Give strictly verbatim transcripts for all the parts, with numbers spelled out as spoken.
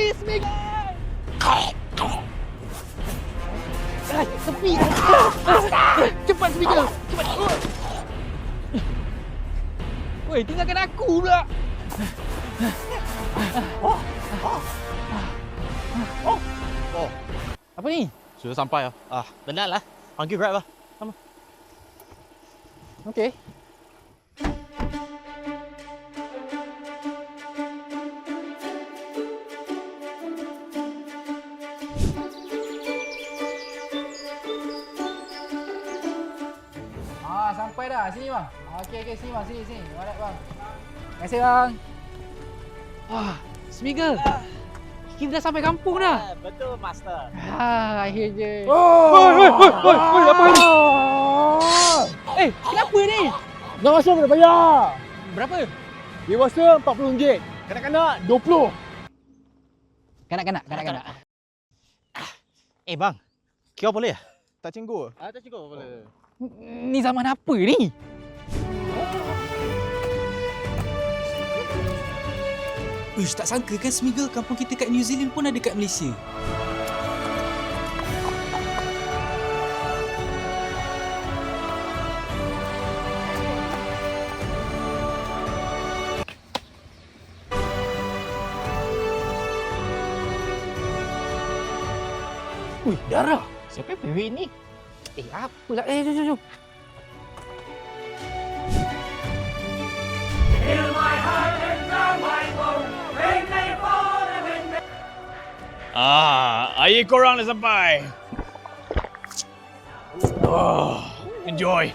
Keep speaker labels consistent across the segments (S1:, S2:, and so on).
S1: Smiggle! Ay, tepi! Cepat, Smiggle! Cepat! Woi, tinggalkan aku pula!
S2: Oh.
S1: Apa ni?
S2: Sudah sampai lah. Ah, benar lah. Panggil Grab lah. Sama.
S1: Okey. Ah, sampai dah. Sini bang. Okey okey sini bang, sini sini. Alright bang. Terima kasih bang. Wah, Smiggle. Kita dah sampai kampung dah.
S2: Betul, Master.
S1: Ah, akhirnya.
S3: Oh!
S1: Oi, oi, oi, oi, oi, apa ni? Eh, kenapa ni?
S3: Nak masuk kena bayar.
S1: Berapa?
S3: Dewasa empat puluh ringgit. Kanak-kanak dua puluh.
S1: Kanak-kanak, kanak-kanak.
S2: Eh, bang. Kira boleh ya?
S3: Tak cinggu.
S2: Ah, tak cukup boleh.
S1: Ni zaman apa ni?
S4: Uish, tak sangka kan Smiggle kampung kita kat New Zealand pun ada kat Malaysia.
S1: Ui, darah.
S2: Siapa yang pewek ni?
S1: Eh, apa lah? Eh, jom, jom, jom.
S5: Ah, air korang dah sampai. Oh, enjoy.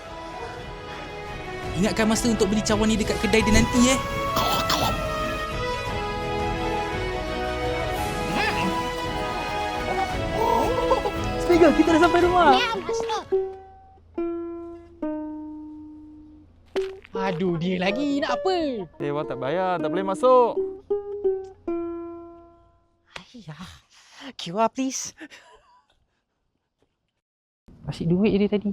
S4: Ingatkan masa untuk beli cawan ni dekat kedai dia nanti eh.
S1: Smiggle, kita dah sampai rumah. Aduh, dia lagi. Nak apa?
S3: Eh, wah tak bayar. Tak boleh masuk.
S2: Ayah. Q R please.
S1: Asyik duit je dia tadi.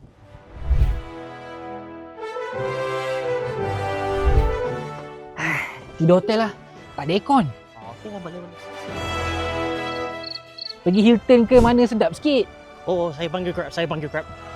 S1: Tidur hotel lah. Tak ada aircon.
S2: Oh, okey lah, boleh boleh.
S1: Pergi Hilton ke mana sedap sikit.
S2: Oh, saya panggil Grab, saya panggil Grab.